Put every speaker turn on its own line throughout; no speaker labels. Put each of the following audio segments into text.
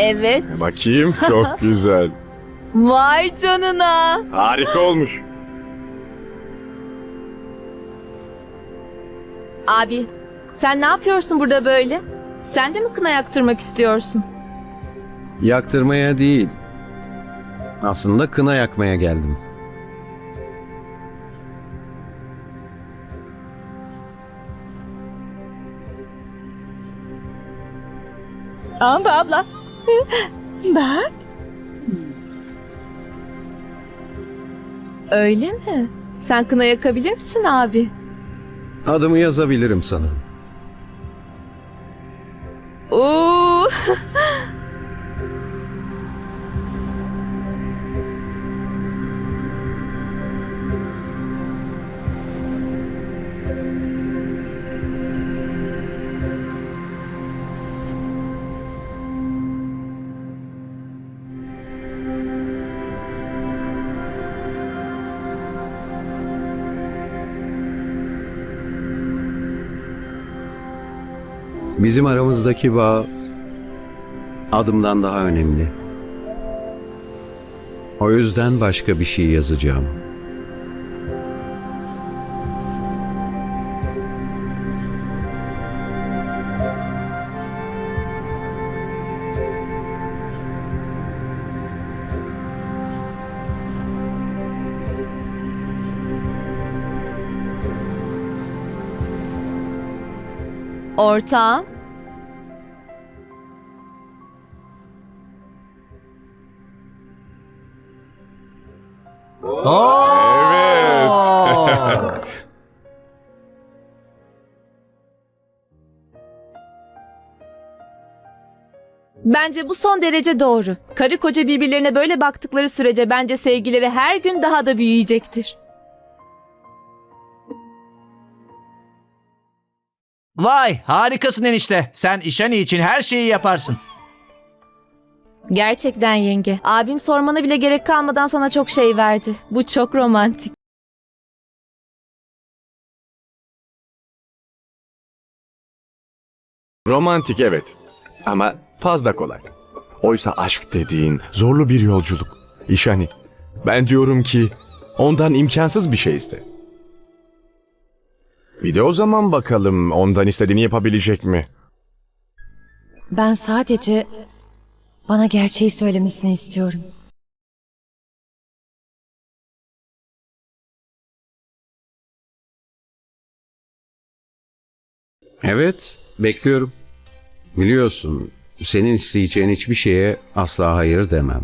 Evet.
Bakayım, çok güzel.
Vay canına.
Harika olmuş.
Abi, sen ne yapıyorsun burada böyle? Sen de mi kına yaktırmak istiyorsun?
Yaktırmaya değil. Aslında kına yakmaya geldim.
Amba abla. Bak.
Öyle mi? Sen kına yakabilir misin abi?
Adımı yazabilirim sana.
Oo.
Bizim aramızdaki bağ adımdan daha önemli. O yüzden başka bir şey yazacağım.
Ortağım. Bence bu son derece doğru. Karı koca birbirlerine böyle baktıkları sürece bence sevgileri her gün daha da büyüyecektir.
Vay, harikasın enişte. Sen İşani için her şeyi yaparsın.
Gerçekten yenge. Abim sormana bile gerek kalmadan sana çok şey verdi. Bu çok romantik.
Romantik evet. Ama fazla kolay. Oysa aşk dediğin zorlu bir yolculuk. İşani, ben diyorum ki ondan imkansız bir şey iste. Bir de o zaman bakalım ondan istediğini yapabilecek mi?
Ben sadece bana gerçeği söylemesini istiyorum.
Evet, bekliyorum. Biliyorsun, senin isteyeceğin hiçbir şeye asla hayır demem.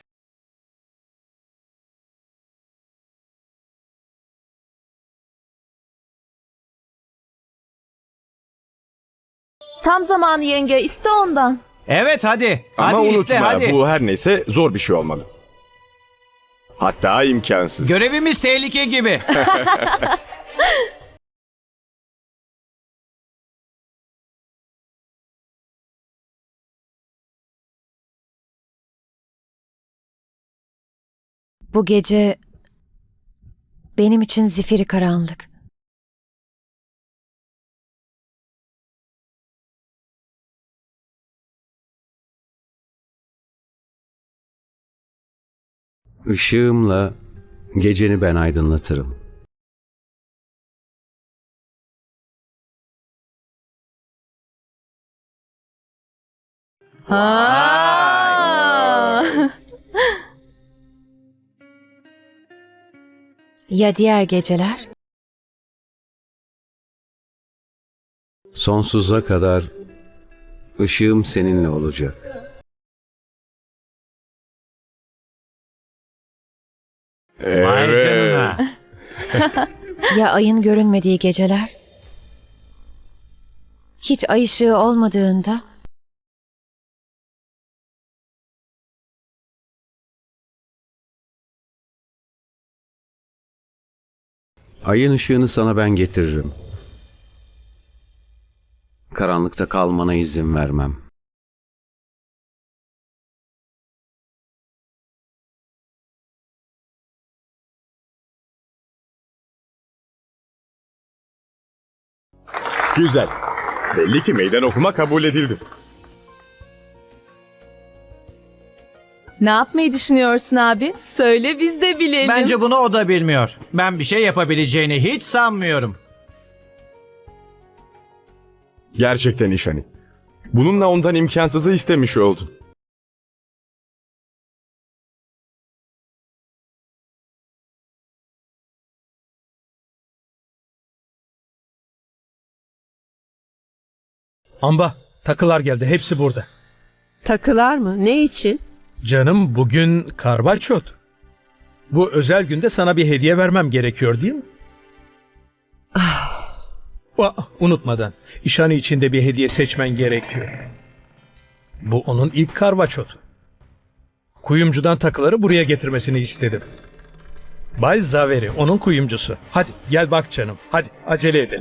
Tam zamanı yenge. İste ondan.
Evet hadi.
Ama
Hadi
unutma
iste hadi.
bu her neyse zor bir şey olmalı. Hatta imkansız.
Görevimiz tehlike gibi.
Bu gece benim için zifiri karanlık.
Işığımla geceni ben aydınlatırım.
Ha.
Ya diğer geceler?
Sonsuza kadar ışığım seninle olacak.
Vay canına.
Ya ayın görünmediği geceler? Hiç ay ışığı olmadığında?
Ayın ışığını sana ben getiririm. Karanlıkta kalmana izin vermem.
Güzel. Belli ki meydan okuma kabul edildi.
Ne yapmayı düşünüyorsun abi? Söyle biz de bilelim.
Bence bunu o da bilmiyor. Ben bir şey yapabileceğini hiç sanmıyorum.
Gerçekten İşani. Bununla ondan imkansızı istemiş oldun.
Amba, takılar geldi. Hepsi burada.
Takılar mı? Ne için?
Canım bugün karvaçot. Bu özel günde sana bir hediye vermem gerekiyor değil mi? Unutmadan, İşani için de bir hediye seçmen gerekiyor. Bu onun ilk karvaçotu. Kuyumcudan takıları buraya getirmesini istedim. Bay Zaveri, onun kuyumcusu. Hadi gel bak canım. Hadi acele edelim.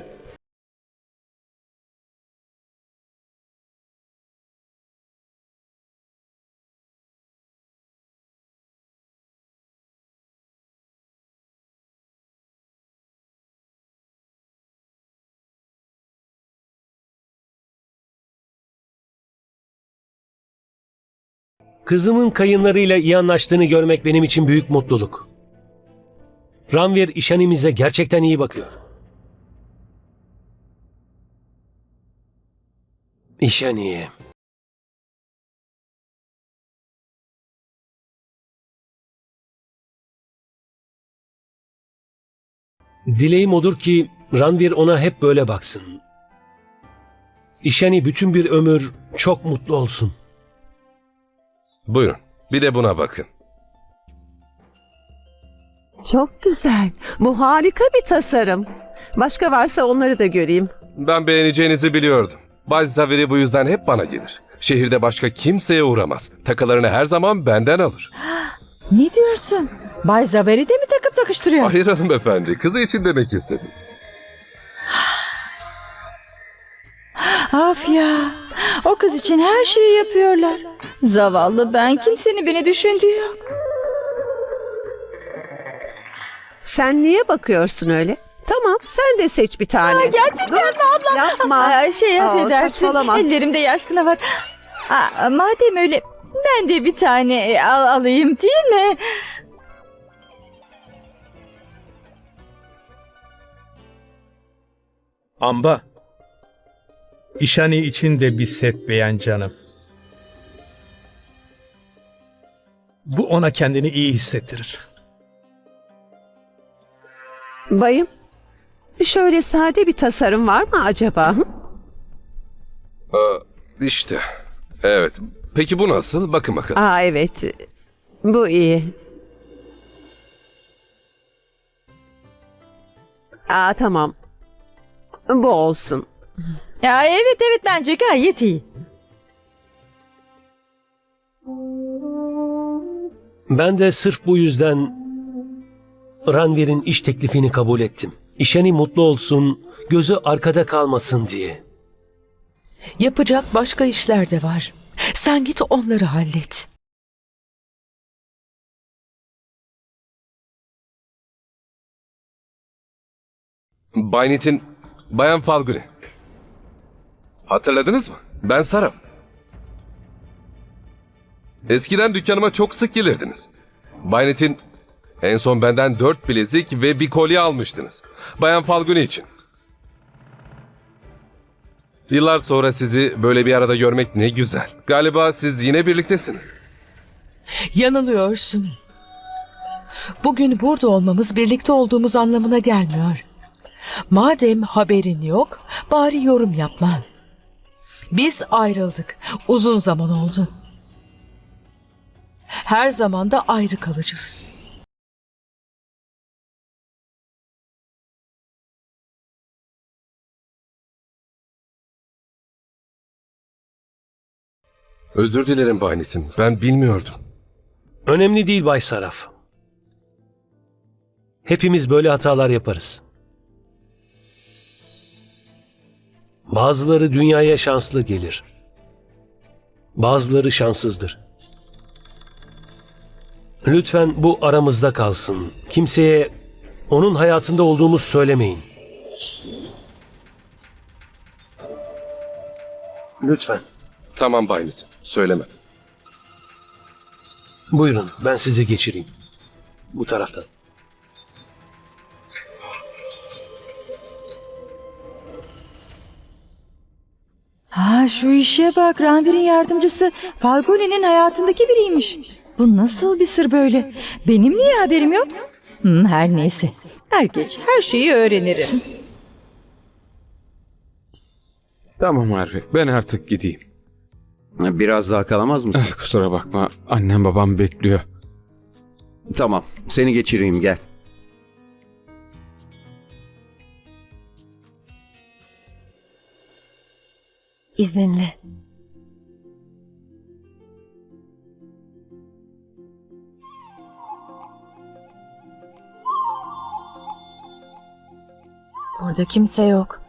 Kızımın kayınlarıyla iyi anlaştığını görmek benim için büyük mutluluk. Ranvir işhanemize gerçekten iyi bakıyor. İşhaniye. Dileğim odur ki Ranvir ona hep böyle baksın. İşhani bütün bir ömür çok mutlu olsun.
Buyurun. Bir de buna bakın.
Çok güzel. Bu harika bir tasarım. Başka varsa onları da göreyim.
Ben beğeneceğinizi biliyordum. Bay Zaveri bu yüzden hep bana gelir. Şehirde başka kimseye uğramaz. Takılarını her zaman benden alır.
Ne diyorsun? Bay Zaveri de mi takıp takıştırıyor?
Hayır hanımefendi. Kızı için demek istedim.
Af ya. O kız için her şeyi yapıyorlar. Zavallı ben, kimsenin beni düşündüğü yok.
Sen niye bakıyorsun öyle? Tamam, sen de seç bir tane.
Gerçekten mi abla?
Yapma.
Affedersin.
Saçmalama.
Ellerimde yaş kına var. Madem öyle ben de bir tane alayım değil mi?
Amba, İşani için de bir set beğen canım. Bu ona kendini iyi hissettirir.
Bayım, şöyle sade bir tasarım var mı acaba? Hı?
İşte. Evet. Peki bu nasıl? Bakın bakalım.
Aa evet, bu iyi. Aa tamam, bu olsun.
Ya evet bence gayet iyi.
Ben de sırf bu yüzden Ranvir'in iş teklifini kabul ettim. İşhani mutlu olsun, gözü arkada kalmasın diye.
Yapacak başka işler de var. Sen git onları hallet.
Bay Nitin, Bayan Falguni. Hatırladınız mı? Ben Saraf. Eskiden dükkanıma çok sık gelirdiniz. Bay Nitin, en son benden 4 bilezik ve bir kolye almıştınız. Bayan Falguni için. Yıllar sonra sizi böyle bir arada görmek ne güzel. Galiba siz yine birliktesiniz.
Yanılıyorsun. Bugün burada olmamız birlikte olduğumuz anlamına gelmiyor. Madem haberin yok, bari yorum yapma. Biz ayrıldık. Uzun zaman oldu. Her zaman da ayrı kalacağız.
Özür dilerim Bay Nitin. Ben bilmiyordum.
Önemli değil Bay Saraf. Hepimiz böyle hatalar yaparız. Bazıları dünyaya şanslı gelir. Bazıları şanssızdır. Lütfen bu aramızda kalsın. Kimseye onun hayatında olduğumuzu söylemeyin. Lütfen.
Tamam Bay Nitin. Söyleme.
Buyurun, ben sizi geçireyim. Bu taraftan.
Ha, şu işe bak. Ranvir'in yardımcısı Falguni'nin hayatındaki biriymiş. Bu nasıl bir sır böyle? Benim niye haberim yok? Her neyse. Er geç her şeyi öğrenirim.
Tamam Harvey, ben artık gideyim.
Biraz daha kalamaz mısın?
Kusura bakma, annem babam bekliyor.
Tamam, seni geçireyim, gel.
İzninle. Burada kimse yok.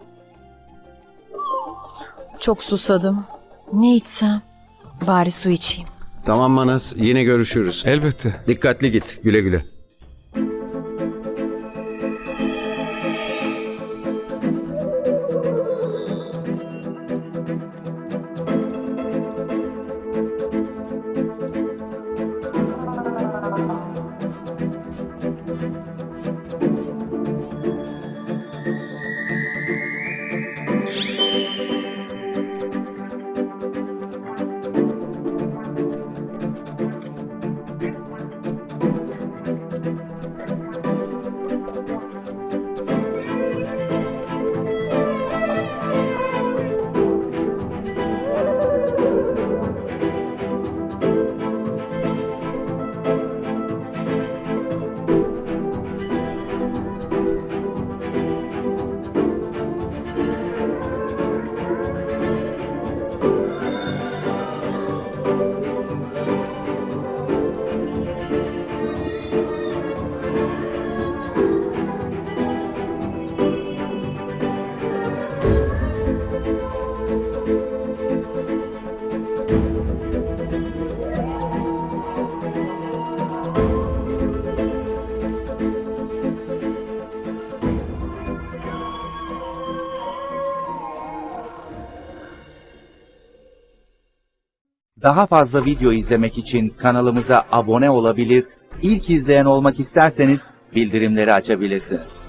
Çok susadım. Ne içsem? Bari su içeyim.
Tamam Manas, yine görüşürüz.
Elbette.
Dikkatli git, güle güle.
Daha fazla video izlemek için kanalımıza abone olabilir, ilk izleyen olmak isterseniz bildirimleri açabilirsiniz.